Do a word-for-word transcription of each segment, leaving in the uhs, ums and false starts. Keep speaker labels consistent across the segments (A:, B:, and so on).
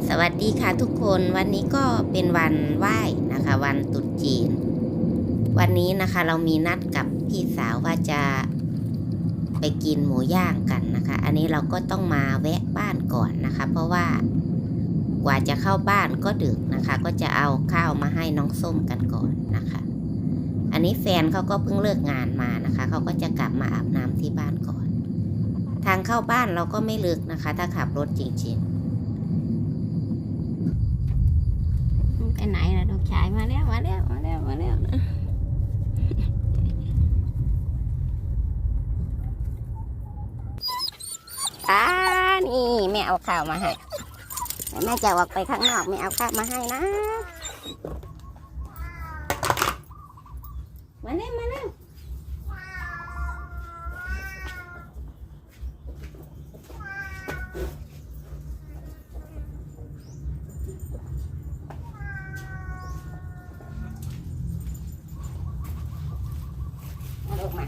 A: สวัสดีค่ะทุกคนวันนี้ก็เป็นวันไหว้นะคะวันตรุษจีนวันนี้นะคะเรามีนัดกับพี่สาวว่าจะไปกินหมูย่างกันนะคะอันนี้เราก็ต้องมาแวะบ้านก่อนนะคะเพราะว่ากว่าจะเข้าบ้านก็ดึกนะคะก็จะเอาข้าวมาให้น้องส้มกันก่อนนะคะอันนี้แฟนเขาก็เพิ่งเลิกงานมานะคะเขาก็จะกลับมาอาบน้ำที่บ้านก่อนทางเข้าบ้านเราก็ไม่ลึกนะคะถ้าขับรถจริงๆไปไหนล่ะลูกชายมาแล้วมาแล้วมาแล้วมาแล้วนะอ่านี่แม่เอาข้าวมาให้แม่จะออกไปข้างนอกแม่เอาข้าวมาให้นะมาเร็วมาเร็วลูกมา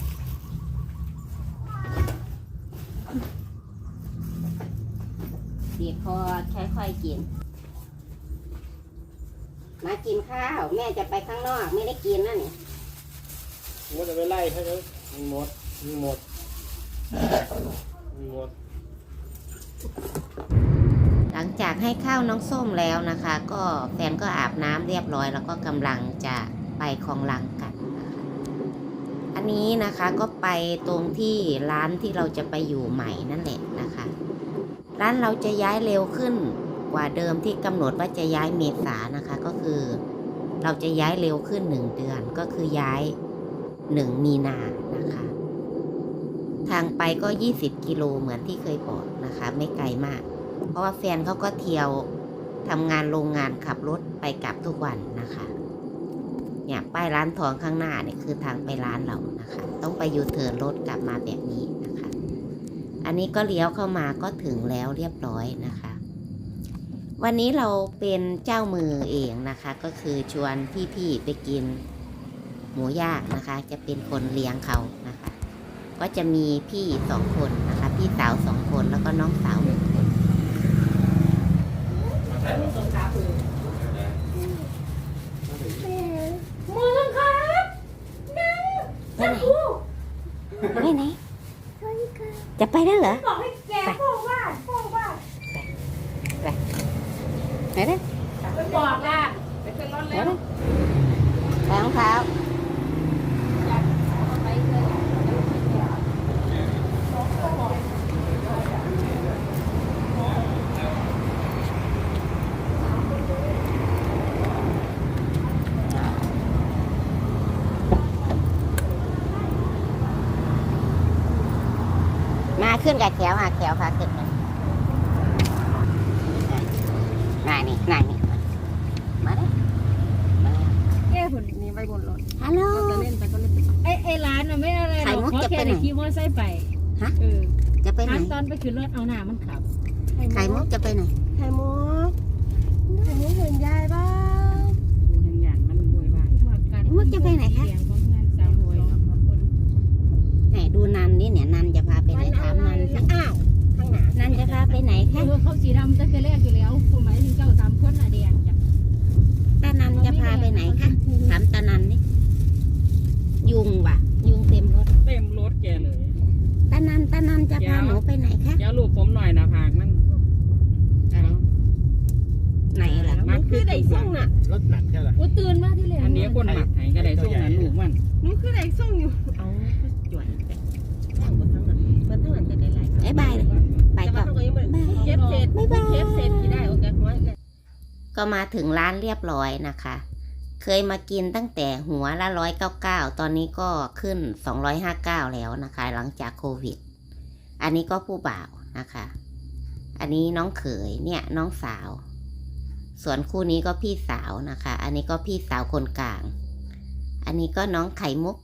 A: บีบคอค่อยๆกินมากินข้าวแม่จะไปข้างนอกไม่ได้กินนะนี่
B: มันจะไปไล่เขาเลยมันหมดมันหมดมันหมด
A: หลังจากให้ข้าวน้องส้มแล้วนะคะก็แฟนก็อาบน้ำเรียบร้อยแล้วก็กำลังจะไปคลองลังกันนะคะอันนี้นะคะก็ไปตรงที่ร้านที่เราจะไปอยู่ใหม่นั่นแหละนะคะร้านเราจะย้ายเร็วขึ้นกว่าเดิมที่กำหนดว่าจะย้ายเมษานะคะก็คือเราจะย้ายเร็วขึ้นหนึ่งเดือนก็คือย้ายหนึ่งมีนานะคะทางไปก็ยี่สิบกิโลเหมือนที่เคยบอกนะคะไม่ไกลมากเพราะว่าแฟนเขาก็เที่ยวทำงานโรงงานขับรถไปกลับทุกวันนะคะเนี่ยป้ายร้านทองข้างหน้าเนี่ยคือทางไปร้านเรานะคะต้องไปยูเทิร์นรถกลับมาแบบนี้นะคะอันนี้ก็เลี้ยวเข้ามาก็ถึงแล้วเรียบร้อยนะคะวันนี้เราเป็นเจ้ามือเองนะคะก็คือชวนพี่ๆไปกินหมูย่างนะคะจะเป็นคนเลี้ยงเขานะคะก็จะมีพี่สองคนนะคะพี่สาวสองคนแล้วก็น้องสาวหนึ่งคน
C: มือครับนั่งนั่งกู
A: ไปไหนจะไปแล้วเหรอ
C: บอกให้แกโป้ว่าโป้ว่า
A: ไปเด้อ
C: ไปบอกละไปขึ้นรถ
A: ไป
C: แล้ว
A: เด้อไปรองเท้ามาขึ้นกับแขวอ่ะแขวพาขึ้นมาน่านี่น่านี่มาเด้อมา
C: แก้หุ่นนี้ไปบนรถ
A: ฮัลโหล
C: จะเล่นไปก็เล่นไปไอ้ไอ้ร้านน่ะไม่อะไรหรอกเพราะแค่ได้ขี่มอเตอร์ไซค์ไป
A: ฮะ
C: เออ
A: จะไปไหน
C: ถามตอนไปขึ้นรถเอาหน้ามันขับ
A: ไข่มุกจะไปไหน
C: ไข่มุกไข่มุกเห็นยายบ้าง
D: ดูทางหยานมันรวยบ้าน
A: มุกจะไปไหนคะ
C: เสียงของเงินสาวรวยเนาะขอบคุณ
A: ไหนดูนันนี่เนี่ยนันจะพาไปไหนถามนันสิ
C: อ้าวข้างหน้า
A: นันจะพาไปไหน
C: เอ
A: คะ
C: อเขาสีดำตั้งแต่แรกอยู่แล้วคุณหมายถึงเจ้าสามคนน่ะแดงจ้ะ
A: ตานันจะพาไปไหนคะถามตานันนี่ยุงว่ะ ยุงเต็มรถ
D: เต็มรถแกเลย
A: ตานันตานันจะพาหนูไปไหนคะ
D: เดี๋ยวลูกผมหน่อยนะพากมัน
A: อะไรไหนล่ะ
D: มันคือไดส่งน่ะ
B: รถหนักแค่ไหน
C: ว่าตื่นมาที่แรก
D: อันนี้คนหมักไห้ก็ได้ส่งนั้นลูกมัน
C: มันคือไดส่งอยู่
A: เอาจ่วยตั้งบนทั้งนั้นบนทั้งนั้นจะได้ไรไอ้ใบเลยใบก่อน
C: เก็บเศษ
A: บ๊ายบาย
C: เก็บเศษที่ได้โอเคหัว
A: ก็มาถึงร้านเรียบร้อยนะคะ เคยมากินตั้งแต่หัวละร้อยเก้าเก้าตอนนี้ก็ขึ้นสองร้อยห้าเก้าแล้วนะคะ หลังจากโควิด อันนี้ก็ผู้บ่าวนะคะ อันนี้น้องเขยเนี่ยน้องสาว ส่วนคู่นี้ก็พี่สาวนะคะ อันนี้ก็พี่สาวคนกลาง อันนี้ก็น้องไข่มุก